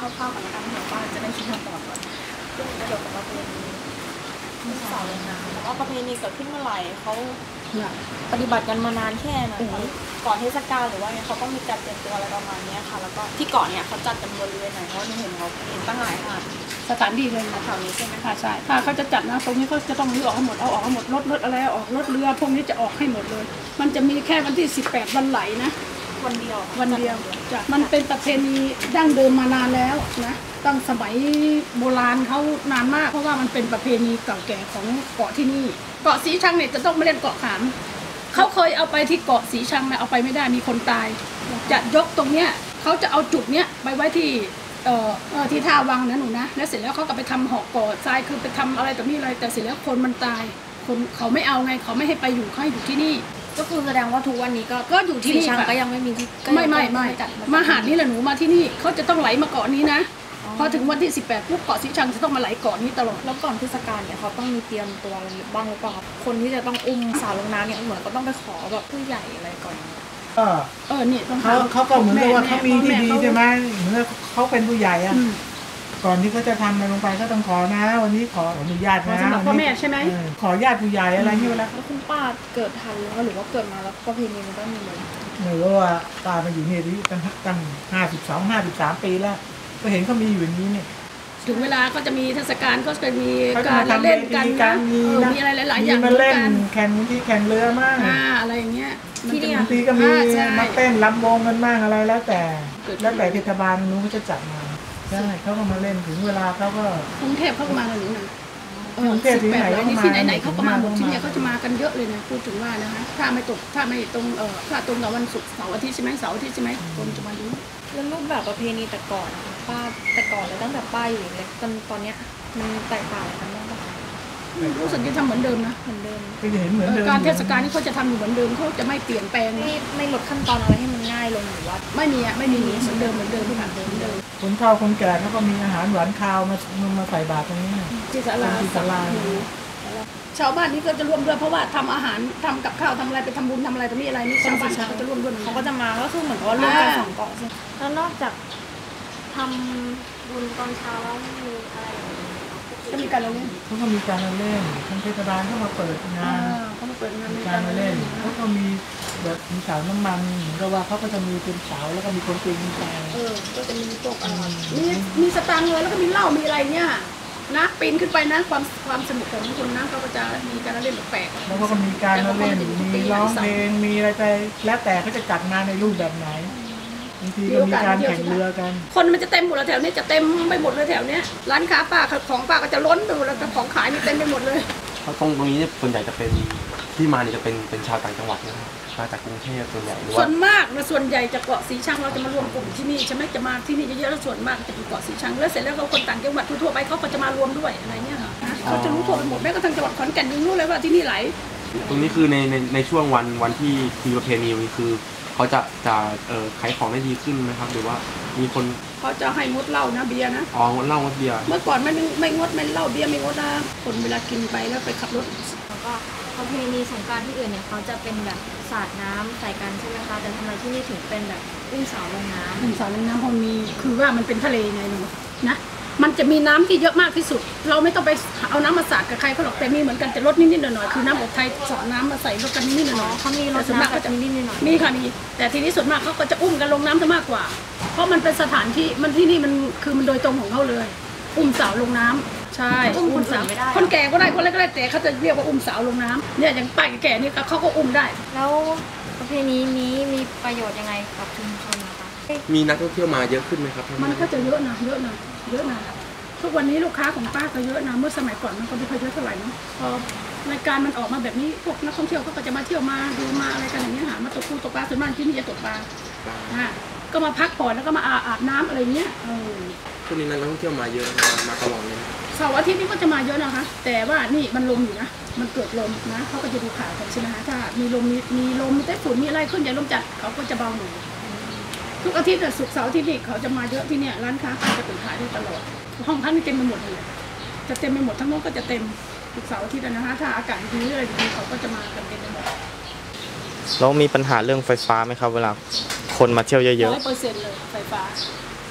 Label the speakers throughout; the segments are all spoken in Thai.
Speaker 1: คร่าวๆก่อนแล้วกันเผื่อว่าจะได้คิดคำตอบก่อนเรื่องเกี่ยวกับประเพณีสาวเลยนะแล้วก็ประเพณีเกิดขึ้นเมื่อไหร่เขาปฏิบัติกันมานานแค่ไหนก่อนเทศกาลหรือว่าไงเขาต้องมีการเตรียมตัวอะไรประมาณนี้ค่ะแล้วก็ที่เกาะเนี่ยเขาจัดกันบริเวณไหนเพราะเห็นเขาตั้งหลายหาด
Speaker 2: สถานที่เลยนะแถวนี้ใช่ไหมคะใช่ถ้าเขาจะจัดนะตรงนี้เขาจะต้องรื้อออกให้หมดเอาออกให้หมดรถอะไรออกรถเรือพวกนี้จะออกให้หมดเลยมันจะมีแค่วันที่18วันไหลนะ
Speaker 1: วันเดียว
Speaker 2: จ้ะมันเป็นประเพณีดั้งเดิมมานานแล้วนะตั้งสมัยโบราณเขานานมากเพราะว่ามันเป็นประเพณีเก่าแก่ของเกาะที่นี่เกาะสีชังเนี่ยจะต้องมาเล่นเกาะขามเขาเคยเอาไปที่เกาะสีชังนะเอาไปไม่ได้มีคนตายจะยกตรงเนี้ยเขาจะเอาจุดเนี้ยไปไว้ที่ที่ท่าวังนะหนูนะแล้วเสร็จแล้วเขาก็ไปทำหอกก่อทรายคือไปทำอะไรต่อมีอะไรแต่เสร็จแล้วคนมันตายคนเขาไม่เอาไงเขาไม่ให้ไปอยู่เขาให้อยู่ที่นี่
Speaker 1: ก็คือแสดงว่าทุกวันนี้ก็อยู่ที่นี่ก็ยังไม่มีที่
Speaker 2: ไม่มาหาดนี่แหละหนูมาที่นี่เขาจะต้องไหลมาเกาะนี้นะพอถึงวันที่18ปุ๊บเกาะสีชังจะต้องมาไหลเกาะนี้ตลอด
Speaker 1: แล้วก่อนเทศกาลเนี่ยเขาต้องมีเตรียมตัวอะไรบ้างหรือเปล่าคนที่จะต้องอุ้มสาวลงน้ำเนี่ยเหมือนก็ต้องไปขอแบบผู้ใหญ่อะไรก่อน
Speaker 2: เนี่ย
Speaker 3: เขาก็เหมือนกับว่าเขามีที่ดีใช่ไหมเหมือนเขาเป็นผู้ใหญ่อะก่อนที่เขาจะทำอะไรลงไปก็ต้องขอนะวันนี้ขออนุญาตนะ
Speaker 2: สำหรับพ่อแม่ใช่ไหม
Speaker 3: ขอญาติผู้ใหญ่อะไรนี่แล้ว
Speaker 1: คุณป้าเกิดทันหรือว่าเกิดมาแล้วประเพณีมันก็มีเลย
Speaker 3: ไม่รู้ว่าป้ามาอยู่นี่ตั้ง53 ปีแล้วก็เห็นเขามีอยู่อย่างนี้เนี่ย
Speaker 2: ถึงเวลาก็จะมีเทศกาลก็จะมีการเล่นกันนะมีอะไรหลายๆอย่าง
Speaker 3: มาเล่นแข่งเรือมาก
Speaker 2: อะไรอย่างเงี้ย
Speaker 3: ที่นี่บางทีก็มีมาเต้นลำวงกันมากอะไรแล้วแต่เทศบาลนู้นเขาจะจัดมาใช่เขาก็มาเล่นถึงเวลาเขาก็
Speaker 2: กรุงเทพเขาก็มาหนูนะ
Speaker 3: กรุงเทพที่ไหน
Speaker 2: ที่ไหนเขาก็มาหมดที่นี่เขาจะมากันเยอะเลยนะพูดถึงว่านะคะถ้าไม่ตรงถ้าตรงกับวันศุกร์เสาร์อาทิตย์ใช่ไหมเสาร์อาทิตย์ใช่ไหมคนจะมาเยอะ
Speaker 1: แล้วรูปแบบประเพณีแต่ก่อนป้าแต่ก่อนเลยตั้งแต่ป้าอยู่เล็กตอนเนี้ยมันแตกต่างกันบ้างป่ะ
Speaker 2: รู้สึกจะทำเหมือนเดิมนะ
Speaker 1: เหมือนเดิม
Speaker 3: ก็เห็นเหมือนเดิม
Speaker 2: การเทศกาลนี่เขาจะทำอยู่เหมือนเดิมเขาจะไม่เปลี่ยนแปลง
Speaker 1: ไม่ลดขั้นตอนอะไรให้มันง่ายลงหรือว่า
Speaker 2: ไม่มีเหมือนเดิมทุกอย่างเหมือนเดิม
Speaker 3: คนเฒ่าคนแก่เขาก็มีอาหารหวานคาวมาใส่บาตรตรงนี้
Speaker 2: ที่ศาลาชาวบ้านนี่ก็จะร่วมด้วยเพราะว่าทำอาหารทำกับข้าวทำอะไรไปทำบุญทำอะไรตรงนี้อะไรนี่ชาวบ้านเขาจะร่วมด้วย
Speaker 1: เขาก็จะมาก็คือเหมือนว่าร่วมกัน2 เกาะใช่แล้วนอกจากทำบุญตอนเช้าแล้วมีอะไร
Speaker 2: ก็มีการเล่น
Speaker 3: เขาก็มีการเล่นทางเทศบาลเขามาเปิดงานการเล่นเขาก็มีแบบมีเสาน้ำมันเหมือนกับว่าเขาก็จะมีเป็นเสาแล้วก็มีคนปีนไป
Speaker 2: ก็จะมีพวกมีสตางค์เลยแล้วก็มีเหล้ามีอะไรเนี่ยนะปีนขึ้นไปนะความสนุกของคนนะเขาก็จะมีการเล่นแปลก
Speaker 3: แล้วก็มีการเล่นมีร้องเพลงมีอะไรไปแล้วแต่เขาจะจัดงานในรูปแบบไหนบางทีก็มีการแข่งเรือกัน
Speaker 2: คนมันจะเต็มหมดแล้วแถวนี้จะเต็มไปหมดเลยแถวเนี้ยร้านค้าป้าของป้าก็จะล้นไปหมดแล้วของขายมีเต็มไปหมดเลย
Speaker 4: เพราะตรงนี้เนี่ยส่วนใหญ่จะเป็นที่มาเนี่ยจะเป็นชาวต่างจังหวัดนะครับมาจากกรุงเทพส่วนใหญ่
Speaker 2: ส่วนมากนะส่วนใหญ่จะเกาะสีชังเราจะมารวมกลุ่มที่นี่ใช่ไหมจะมาที่นี่เยอะๆแล้วส่วนมากจะเป็นเกาะสีชังแล้วเสร็จแล้วเขาคนต่างจังหวัดทั่วไปเขาก็จะมารวมด้วยอะไรเงี้ยเขาจะรู้ทั่วไปหมดแม้กระทั่งจังหวัดขอนแก่นยังรู้เลยว่าที่นี่ไหล
Speaker 4: ตรงนี้คือในช่วงวันที่มีประเพณีนี้คือเขาจะขายของได้ดีขึ้นไหมครับหรือว่ามีคน
Speaker 2: เขาจะให้งดเหล้านะเบียร์นะ
Speaker 4: งดเหล้างดเบียร์
Speaker 2: เมื่อก่อนไม่งดไม่เหล้าเบียร์ไม่งดนะคนเวลากินไปแล้วไปขับรถ
Speaker 1: แล้วก็ประเพณีสงกรานต์ที่อื่นเนี่ยเขาจะเป็นแบบสาดน้ำใส่กันใช่ไหมคะแต่ทำไมที่นี่ถึงเป็นแบบอุ้มสาวลงน้ำ
Speaker 2: พอมีคือว่ามันเป็นทะเลไงหนูนะมันจะมีน้ำที่เยอะมากที่สุดเราไม่ต้องไปเอาน้ำมาสาดกับใครเขาหรอกแต่มีเหมือนกันแต่ลดนิดๆหน่อยๆคือน้ำอบไทยสอดน้ำมาใส่ลดกันนิดๆหน่อย
Speaker 1: เขามีรถ
Speaker 2: ส่วนมากก็จะ
Speaker 1: นิดๆหน่อย
Speaker 2: มีค่ะมีแต่ทีนี้ส่วนมากเขาก็จะอุ้มกันลงน้ำซะมากกว่าเพราะมันเป็นสถานที่มันที่นี่มันคือมันโดยตรงของเขาเลยอุ้มสาวลงน้ำใช่
Speaker 1: อุ้มสาวไม่ได้
Speaker 2: คนแก่ก็ได้คนเล็กก็ได้แต่เขาจะเรียกว่าอุ้มสาวลงน้ำเนี่ยอย่างป้าแก่นี่เขาก็อุ้มได้
Speaker 1: แล้วประเพณีนี้มีประโยชน์ยังไงกับชุมชนนะคะ
Speaker 4: มีนักท่องเที่ยวมาเยอะขึ้นไหมครับ
Speaker 2: มันก็จะเยอะนะทุกวันนี้ลูกค้าของป้าก็เยอะนะเมื่อสมัยก่อนมันก็ไม่ค่อยเยอะเท่าไหร่นะพอรายการมันออกมาแบบนี้พวกนักท่องเที่ยวก็จะมาเที่ยวมาดูมาอะไรกันอย่างเงี้ยหามาตกปูตกปลาส่วนมากที่นี่จะตกปลาก็มาพักผ่อนแล้วก็มาอาบน้ำอะไรเงี้ย
Speaker 4: ช่วงนี้นักท่องเที่ยวมาเยอะมาตลอดเลย
Speaker 2: เสาร์อาทิตย์นี้ก็จะมาเยอะนะคะแต่ว่านี่มันลมอยู่นะมันเกิดลมนะเขาก็จะดูข่าวกันใช่ไหมคะถ้ามีลมมีไต้ฝุ่นมีอะไรขึ้นใหญ่ลมจัดเขาก็จะเบาหน่อยทุกอาทิตย์ศุกร์เสาร์อาทิตย์นี่เขาจะมาเยอะที่เนี่ยร้านค้าจะเปิดขายได้ตลอดห้องพักนี่เต็มไปหมดเลยจะเต็มไปหมดทั้งนู้นก็จะเต็มทุกเสาร์อาทิตย์นะคะถ้าอากาศดีอะไรดีเขาก็จะมากันเต็มไปหมด
Speaker 5: แล้วมีปัญหาเรื่องไฟฟ้าไหมครับเวลาคนมาเที่ยวเยอะ
Speaker 2: 100%เลยไฟ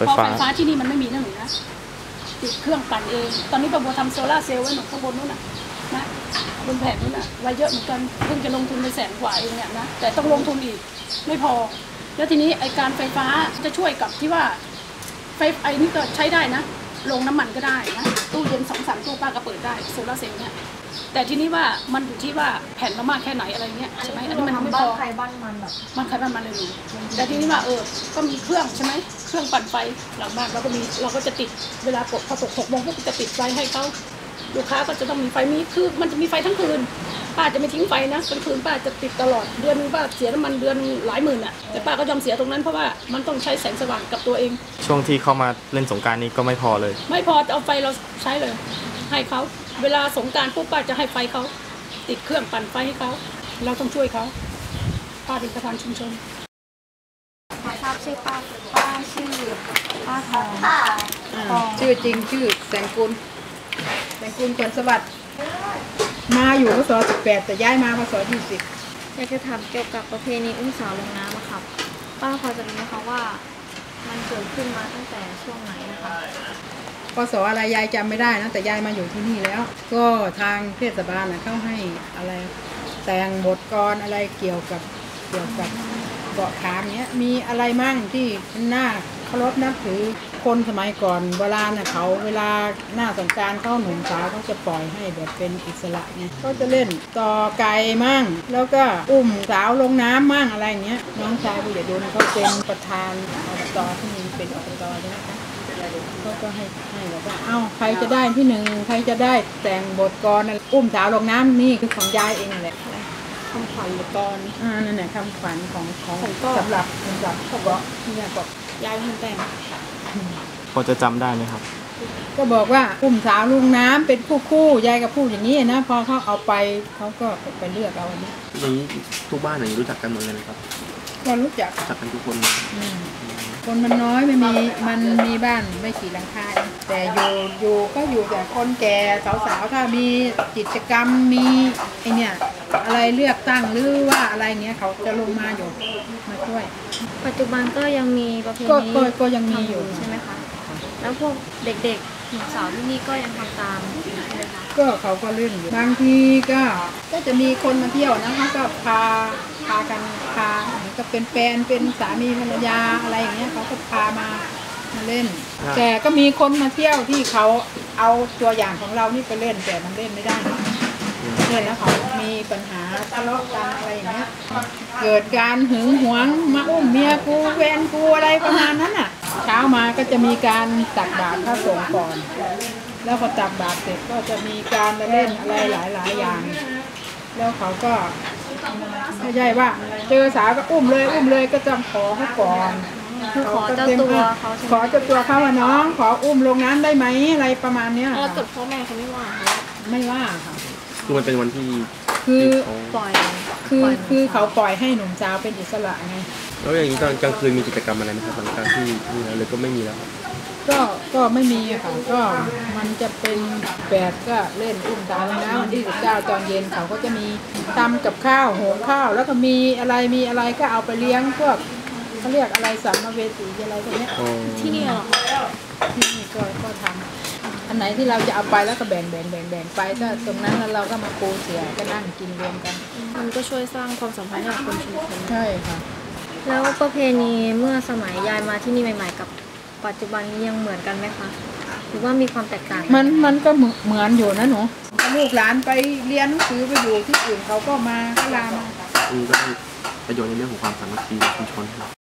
Speaker 2: เพราะไฟฟ้าที่นี่มันไม่มีนั่นหรือนะติดเครื่องปั่นเองตอนนี้ป้าบัวทำโซล่าร์เซลล์ไว้หนูข้างบนนู้นน่ะนะบนแผงนู้นน่ะไว้เยอะเหมือนกันเพิ่งจะลงทุนไป100,000 กว่าเองเนี่ยนะแต่ต้องลงทุนอีกไม่พอแล้วทีนี้ไอการไฟฟ้าจะช่วยกับที่ว่าไฟไอนี่ก็ใช้ได้นะลงน้ำมันก็ได้นะตู้เย็น2-3 ตู้ป้าก็เปิดได้โซล่าร์เซลล์เนี่ยแต่ทีนี้ว่ามันอยู่ที่ว่าแผ่นเรามากแค่ไหนอะไรเงี้ยใช่ไหมอันนี้มันไม่
Speaker 1: บ้า
Speaker 2: พ
Speaker 1: น
Speaker 2: อ
Speaker 1: ใครบ้านมันแบบ
Speaker 2: มันใครบ้านมันเลยหนูแต่ทีนี้ว่าก็มีเครื่องใช่ไหมเครื่องปั่นไฟหลังบ้านเราก็จะติดเวลาพอตก6 โมงพวกจะติดไฟให้เขาลูกค้าก็จะต้องมีไฟคือมันจะมีไฟทั้งคืนป้าจะไม่ทิ้งไฟนะกลางคืนป้าจะติดตลอดเดือนนึงป้าเสียน้ำมันเดือนหลายหมื่นอ่ะแต่ป้าก็ยอมเสียตรงนั้นเพราะว่ามันต้องใช้แสงสว่างกับตัวเอง
Speaker 5: ช่วงที่เข้ามาเล่นสงกรานต์นี้ก็ไม่พอเลย
Speaker 2: ไม่พอจะเอาไฟเราใช้เลย ให้เขาเวลาสงกรานต์ปุ๊บป้าจะให้ไฟเขาติดเครื่องปั่นไฟให้เขาเราต้องช่วยเขาป้าเป็นประธานชุมชน
Speaker 1: ขอทราบชื่อป้าชื่อป้าทอง
Speaker 6: ชื่อจริงชื่อแสงกุลผลสวัสดิ์มาอยู่พศ18แต่ย้ายมาพศ20
Speaker 1: อยากจะถามเกี่ยวกับประเพณีอุ้มสาวลงน้ำอะครับป้าพอจะรู้ไหมคะว่ามันเกิดขึ้นมาตั้งแต่ช่วงไหนนะคะ
Speaker 6: พศอะไรยายจำไม่ได้นะแต่ยายมาอยู่ที่นี่แล้ว ก็ทางเทศบาลนะเขาให้อะไรแต่งบทกลอะไรเกี่ยวกับเกาะขามเนี้ยมีอะไรมั่งที่น่าเคารพนับถือคนสมัยก่อนโบราณนะเขาเวลาหน้าสงกรานต์เขาหนุ่มสาวเขาจะปล่อยให้แบบเป็นอิสระไงก็จะเล่นต่อไก่มั่งแล้วก็อุ้มสาวลงน้ำมั่งอะไรเงี้ยน้องชายผู้ใหญ่ดุลเขาเป็นประธานอบตที่นี่เป็นอบตใช่ไหมคะเขาก็ให้แบบว่าเอ้าใครจะได้ที่หนึ่งใครจะได้แต่งบทกลอนอุ้มสาวลงน้ำนี่คือของยายเองแหละคำขวัญละกรนั่นแหละคำขวัญของสำหรับเขาบอกที่ยายบอกยายเป็นแต่ง
Speaker 5: พอจะจำได้ไหมครับ
Speaker 6: ก็บอกว่าอุ้มสาวลงน้ำเป็นคู่ยายก็พูดอย่างนี้นะพอเขาเอาไปเขาก็ไปเลือกเอาอันนี้
Speaker 4: อย่างนี้ทุกบ้านอย่างนี้รู้จักกันหมดเลยนะครับ
Speaker 6: ก็รู้จัก
Speaker 4: กันทุกคนเลย
Speaker 6: คนมันน้อยไม่มีมันมีบ้านไม่กี่หลังคาเองแต่อยู่ก็อยู่แต่คนแก่สาวๆถ้ามีกิจกรรมมีไอเนี่ยอะไรเลือกตั้งหรือว่าอะไรเงี้ยเขาจะลงมาอยู่มาช่วย
Speaker 1: ปัจจุบันก็ยังมีประเพณี
Speaker 6: ก็ยังมีอยู่
Speaker 1: ใช่ไหมคะแล้วพวกเด็กๆหนุ่มสาวที่นี่ก็ยังทำตามใช่ไหมคะ
Speaker 6: ก็เขาก็เล่นอยู่บางทีก็จะมีคนมาเที่ยวนะเขาก็พากันก็เป็นแฟนเป็นสามีภรรยาอะไรอย่างเงี้ยเขาก็พามาเล่น แต่ก็มีคนมาเที่ยวที่เขาเอาตัวอย่างของเรานี่ไปเล่นแต่มันเล่นไม่ได้นะเล่นแล้วเขามีปัญหาทะเลาะกันอะไรอย่างเงี้ยเกิดการหึงหวงมาอุ้มเมียกูแฟนกูอะไรประมาณนั้นอ่ะเช้ามาก็จะมีการตักบาตรพระสงฆ์ก่อนแล้วพอตักบาตรเสร็จก็จะมีการเล่นอะไรหลายอย่างแล้วเขาก็ไม่ใช่ว่าเจอสาวก็อุ้มเลยก็จะขอเขาก่อน
Speaker 1: คือขอเจ้าตัวเขาใช่ไหม
Speaker 6: ขอเจ้าตัวเขาว่าน้องขออุ้มลงน้ำได้ไหมอะไรประมาณเนี้ย
Speaker 1: แล้วเกิดพ่อแม่เขาไม่ว่าเขา
Speaker 6: ไม่ว่าค่ะ
Speaker 4: คือมันเป็นวันที่
Speaker 6: คือ
Speaker 4: เขา
Speaker 1: ปล่อย
Speaker 6: คือเขาปล่อยให้หนุ่มสาวเป็นอิสระไง
Speaker 4: แล้วอย่างนี้ตอนกลางคืนมีกิจกรรมอะไรไหมครับหลังจากที่นี่แล้วหรือก็ไม่มีแล้วครับ
Speaker 6: ก็ไม่มีอะค่ะก็มันจะเป็นแบบก็เล่นอุ้มสาวลงน้ำวันที่19ตอนเย็นเขาก็จะมีทำกับข้าวหุงข้าวแล้วก็มีอะไรก็เอาไปเลี้ยงพวกเขาเรียกอะไรสัมมาเวสีอะไรพวกเนี้ย
Speaker 1: ที่นี่เหรอคะ
Speaker 6: ที่นี่ก็ทำอันไหนที่เราจะเอาไปแล้วก็แบ่งไปก็ตรงนั้นแล้วเราก็มาปูเสือก็นั่งกินรวมกัน
Speaker 1: มันก็ช่วยสร้างความสัมพันธ์ให้กับคนชุมชน
Speaker 6: ใช่ค่ะ
Speaker 1: แล้วประเพณีเมื่อสมัยยายมาที่นี่ใหม่ๆกับปัจจุบันนี้ยังเหมือนกันไหมคะหรือว่ามีความแตกต่าง
Speaker 6: มันก็เหมือนอยู่นะหนูลูกหลานไปเรียนหนังสือไปอยู่ที่อื่นเขาก็มาก็ลามา
Speaker 4: ก็ได้ประโยชน์ในเรื่องของความสามัคคีในชุมชนครับ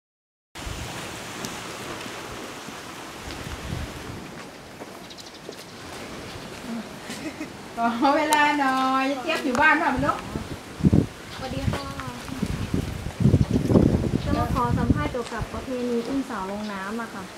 Speaker 6: ขอเวลาหน่อยเจี๊ยบอยู่บ้านป่ะมันลูก
Speaker 1: สวัสดีค่ะจะมาขอสัมภาษณ์เกี่ยวกับประเพณีอุ้มสาวลงน้ำอะค่ะ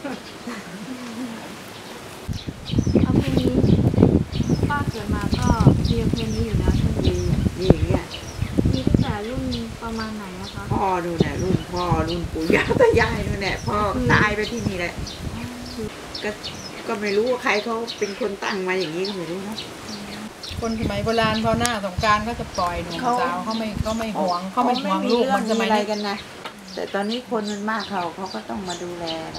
Speaker 1: ประเพณีป้าเกิดมาก็มีประเพณีอยู่แล้วใช่ไหม
Speaker 7: นี่อย่างเงี้ย
Speaker 1: มีตั้งแต่รุ่นประมาณไหนนะคะ
Speaker 7: พ่อดูเนี่ยรุ่นพ่อรุ่นปู่ย่าตายายนู่นแหละพ่อตายไปที่นี่แหละก็ไม่รู้ว่าใครเขาเป็นคนตั้งมาอย่างนี้ก็ไม่รู้นะ
Speaker 6: คนสมัยโบราณพอหน้าสงกรานต์ก็จะปล่อยหนุ่มสาวเขาไม่ห่วงลูกมันสมัย
Speaker 7: อะไร
Speaker 6: นี้
Speaker 7: กันนะแต่ตอนนี้คนมันมากเขาก็ต้องมาดูแลอะไร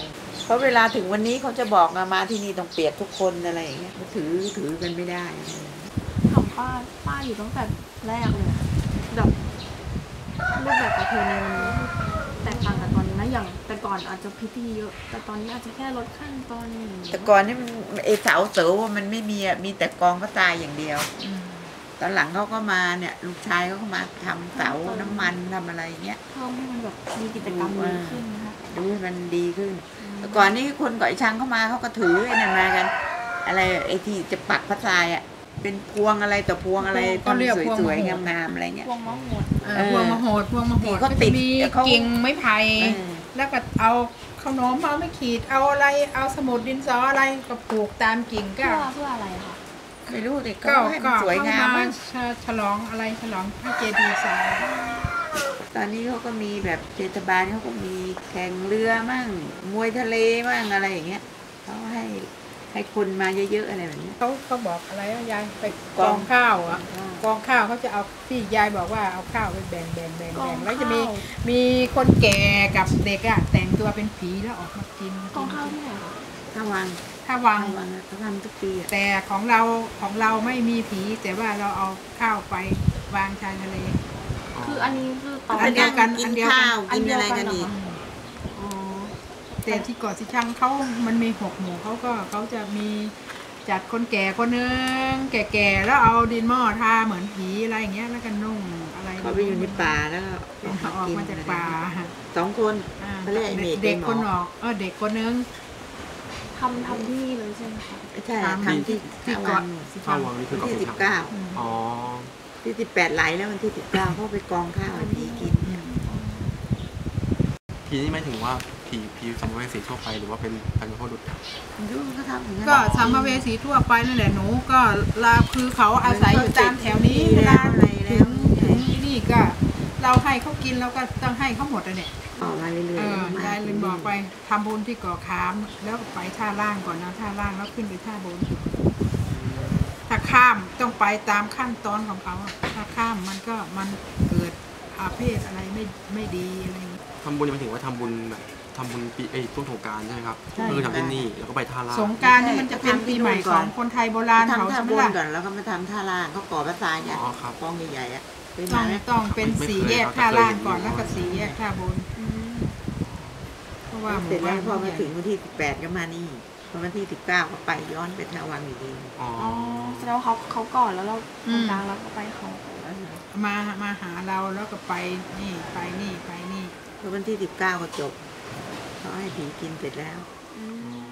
Speaker 7: เพราะเวลาถึงวันนี้เขาจะบอกมาที่นี่ต้องเปียกทุกคนอะไรอย่างเงี้ยถือกันไม่ได้
Speaker 1: ถามป้าอยู่ตั้งแต่แรกเลยแบบรูปแบบประเพณีมันแตกต่างกับตอนนี้นะอย่างแต่ก่อนอาจจะพิธีเยอะแต่ตอนนี้อาจจะแค่ลดขั้นตอน
Speaker 7: แต่ก่อนนี่มันเสาเสวมันไม่มีมีแต่กองพระทรายอย่างเดียวตอนหลังเขาก็มาเนี่ยลูกชายเขาก็มาทำเสาน้ำมันทำอะไรเงี้ย
Speaker 1: เพิ่มให้มันแบบมีกิจกรรมดีขึ้นนะคะ
Speaker 7: ดูให้มันดีขึ้นแต่ก่อนนี้คนเกาะช้างเข้ามาเขาก็ถือไอ้นั่นมากัน อะไรไอ้ที่จะปักพระทรายอ่ะเป็นพวงอะไรต่อพวงอะไรต้นสวยๆงามๆอะไรเงี้ย
Speaker 1: พวงมะหมด
Speaker 6: พวงมโหด
Speaker 7: ที่เขาติด
Speaker 6: มี
Speaker 7: เขา
Speaker 6: กิ่งไม้ไผ่แล้วก็เอาขนมเอาไม่ขีดเอาอะไรเอาสมุดดินสออะไรก็ปลูกตามกิ่งก็
Speaker 1: เพื่ออะไรคะ
Speaker 7: ไม่รู้ดิก็ให้มันสวยงาม
Speaker 6: เข้
Speaker 7: มั้ง
Speaker 6: ฉลองอะไรฉลองพระเจดีย์ทราย
Speaker 7: ตอนนี้เขาก็มีแบบเทศบาลเขาก็มีแข่งเรือมั่งมวยทะเลมั่งอะไรอย่างเงี้ยเขาให้คนมาเยอะๆอะไรแบบนี้
Speaker 6: เขาบอกอะไรอะยายไปกองข้าวอ่ะกองข้าวเขาจะเอาที่ยายบอกว่าเอาข้าวไปแบ่งแล้วจะมีคนแก่กับเด็กอ่ะแต่งตัวเป็นผีแล้วออกมากิน
Speaker 1: กองข้าวที่ไหนคะ
Speaker 7: ถ้าวัง
Speaker 6: ถ้าวัง
Speaker 7: เขาทำทุกปีอะ
Speaker 6: แต่ของเราไม่มีผีแต่ว่าเราเอาข้าวไปวางชายทะเล
Speaker 1: คืออันนี้คือตอน
Speaker 6: อันเดียวกัน
Speaker 7: กิ
Speaker 6: อั
Speaker 7: น
Speaker 6: นเดียวกัน
Speaker 7: ข้าวกินอะไรกันอีก
Speaker 1: อ๋อ
Speaker 6: แต่ที่เกาะสิชังเขามันมี6 หมู่เขาจะมีจัดคนแก่คนนึงแก่ๆแล้วเอาดินหม้อทาเหมือนผีอะไรอย่างเงี้ยแล้วก็นุ่งอะไร
Speaker 7: เขาไปอยู่ในป่าแล้วก็
Speaker 6: ออกมาจากป่า
Speaker 7: 2 คน เขาเรียกไอ้เมฆ
Speaker 6: เด็ก
Speaker 7: ไอ้หมอ
Speaker 6: คนออกเด็กคนนึง
Speaker 1: ทำที่นี่เลยใช่ไหมคะ
Speaker 7: ใช่ทำที่
Speaker 6: ที่
Speaker 7: วั
Speaker 6: เกาะ
Speaker 7: ง
Speaker 6: สิ
Speaker 4: ข้า
Speaker 6: ชั
Speaker 4: ว
Speaker 6: ง
Speaker 4: วังนี่คือเกาะ
Speaker 7: ที่
Speaker 4: สีชัง
Speaker 7: 19
Speaker 4: อ๋อ
Speaker 7: ที่18ไหลแล้ววันที่19เขาไปกองข้าวให้ผีกิน
Speaker 4: ผีนี่ไม่ถึงว่าผีสัมภเวสีทั่วไปหรือว่าเป็นบรรพบุรุษ
Speaker 7: ดูเขาทำอย่างนั้น
Speaker 6: ก็สัมภเวสีทั่วไปนั่นแหละหนูก็คือเขาอาศัยอยู่ตามแถวนี้เวลาถึงที่นี่ก็เราให้เขากินเราก็ต้องให้เขาหมดอ่ะเนี่ย
Speaker 7: ออกมาเรื่อยๆ
Speaker 6: ยายลืมบอกไปทำบุญที่เกาะขามแล้วไปท่าล่างก่อนนะท่าล่างแล้วขึ้นไปท่าบนถ้าข้ามต้องไปตามขั้นตอนของเขาอะถ้าข้ามมันเกิดอาเพศอะไรไม่ดีอะไรอย่างนี้
Speaker 4: ทำบุญหมายถึงว่าทำบุญแบบทำบุญปีช่วงสงกรานต์ใช่ไหมครับก็คือทำที่นี่แล้วก็ไปท่าล่าง
Speaker 6: สงกรารนี่มันจะเป็นปีใหม่ของคนไทยโบราณเขา
Speaker 7: ทำท่า
Speaker 6: ใช่ไห
Speaker 7: บ
Speaker 6: ม
Speaker 7: น
Speaker 6: ล่ะ
Speaker 7: ก่อนแล้วก็มาทำท่าล่างเขาก่อพระทรายเนี่ย
Speaker 4: อ๋อครับ
Speaker 7: กองใหญ่ๆอ่ะเป็น
Speaker 6: ต้อง
Speaker 7: ไหม
Speaker 6: ต้องเป็นสีแยกท่าล่างก่อนแล้วก็สีแยกท่าบนเพราะว่าห
Speaker 7: เสร็
Speaker 6: มู่
Speaker 7: จแล้
Speaker 6: บ้า
Speaker 7: วน พอมาถึงวันที่18ก็มานี่พอวันที่19ก็ไปย้อนไปท่าวังอีกที
Speaker 4: อ๋อ
Speaker 1: อ๋อแสดงว่าเขาก่อนแล้วเราตรงกลางแล้วก็ไปเขา
Speaker 6: มาหาเราแล้วก็ไปนี่ไปนี่
Speaker 7: พอวันที่19ก็จบเขาให้ผีกินเสร็จแล้ว
Speaker 1: อืม